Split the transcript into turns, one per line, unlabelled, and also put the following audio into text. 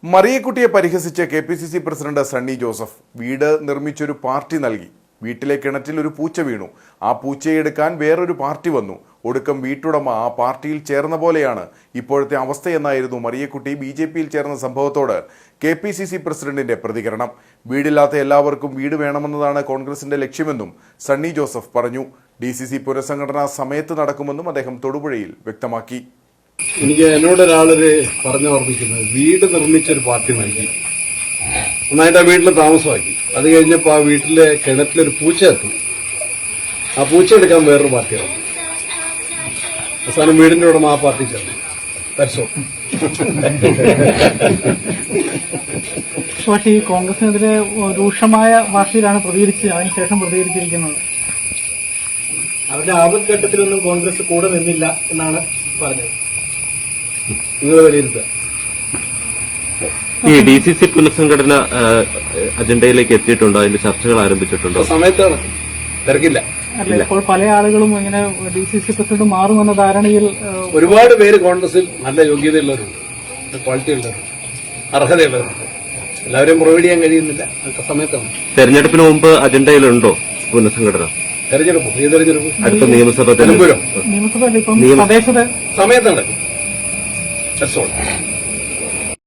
മറിയക്കുട്ടിയെ പരിഹസിച്ച് KPCC president Sunny Joseph വീട് നിർമ്മിച്ചൊരു party നൽകി. വീട്ടിലെ കിണറ്റിൽ ഒരു പൂച്ച വീണു. ആ പൂച്ചയെ എടുക്കാൻ വേറൊരു പാർട്ടി വന്നു. ഒടുക്കം വീട്ടുടമ ആ പാർട്ടിയിൽ ചേർന്ന പോലെയാണ് ഇപ്പോഴത്തെ അവസ്ഥയെന്നായിരുന്നു മറിയക്കുട്ടി ബി.ജെ.പിയിൽ ചേർന്ന സംഭവത്തോട് കെ.പി.സി.സി പ്രസിഡന്റിന്റെ പ്രതികരണം. വീടില്ലാത്ത എല്ലാവർക്കും വീട് വേണമെന്നതാണ് കോൺഗ്രസിന്റെ ലക്ഷ്യമെന്നും സണ്ണി ജോസഫ് പറഞ്ഞു. ഡി.സി.സി പുനഃസംഘടന സമയത്ത് നടക്കുമെന്നും അദ്ദേഹം തൊടുപുഴയിൽ വ്യക്തമാക്കി.
എനിക്ക് എന്നോടൊരാളൊരു പറഞ്ഞോർമ്മിക്കുന്നത്, വീട് നിർമ്മിച്ചൊരു പാർട്ടി നൽകി, നന്നായിട്ട് ആ വീട്ടിൽ താമസമാക്കി. അത് കഴിഞ്ഞപ്പോൾ ആ വീട്ടിലെ കിണറ്റിലൊരു പൂച്ച എത്തി. ആ പൂച്ച എടുക്കാൻ വേറൊരു പാർട്ടിയാണ്. അവസാനം വീടിന്റെ ഉടമ ആ പാർട്ടി ചേർന്നു.
പക്ഷേ ഈ കോൺഗ്രസിനെതിരെ രൂക്ഷമായ ഭാഷയിലാണ് അതിനുശേഷം പ്രതികരിച്ചിരിക്കുന്നത്.
അവരുടെ ആപത്ഘട്ടത്തിലൊന്നും കോൺഗ്രസ് കൂടെ നിന്നില്ല എന്നാണ് പറഞ്ഞത്.
നിങ്ങൾ വിലയിരുത്തുക.
ഈ ഡി.സി.സി പുനഃസംഘടന അജണ്ടയിലേക്ക് എത്തിയിട്ടുണ്ടോ? അതിന്റെ ചർച്ചകൾ ആരംഭിച്ചിട്ടുണ്ടോ?
സമയത്താണ്, തിരക്കില്ല.
അല്ല, ഇപ്പോൾ പല ആളുകളും ഇങ്ങനെ ഡി.സി.സി പ്രസിഡന്റ് മാറുമെന്ന ധാരണയിൽ
ഒരുപാട് പേര് കോൺഗ്രസിൽ നല്ല യോഗ്യതയുള്ളവരുണ്ട്, ക്വാളിറ്റി ഉള്ളവരുണ്ട്, അർഹതയുള്ളവരുണ്ട്. എല്ലാവരെയും പ്രൊവൈഡ് ചെയ്യാൻ കഴിയുന്നില്ല. അതൊക്കെ സമയത്താണ്.
തെരഞ്ഞെടുപ്പിന് മുമ്പ് അജണ്ടയിലുണ്ടോ പുനഃസംഘടന?
തെരഞ്ഞെടുപ്പ് ഈ തെരഞ്ഞെടുപ്പ്
അടുത്ത നിയമസഭ
നിയമസഭ
സമയത്ത് നടക്കും. That's all.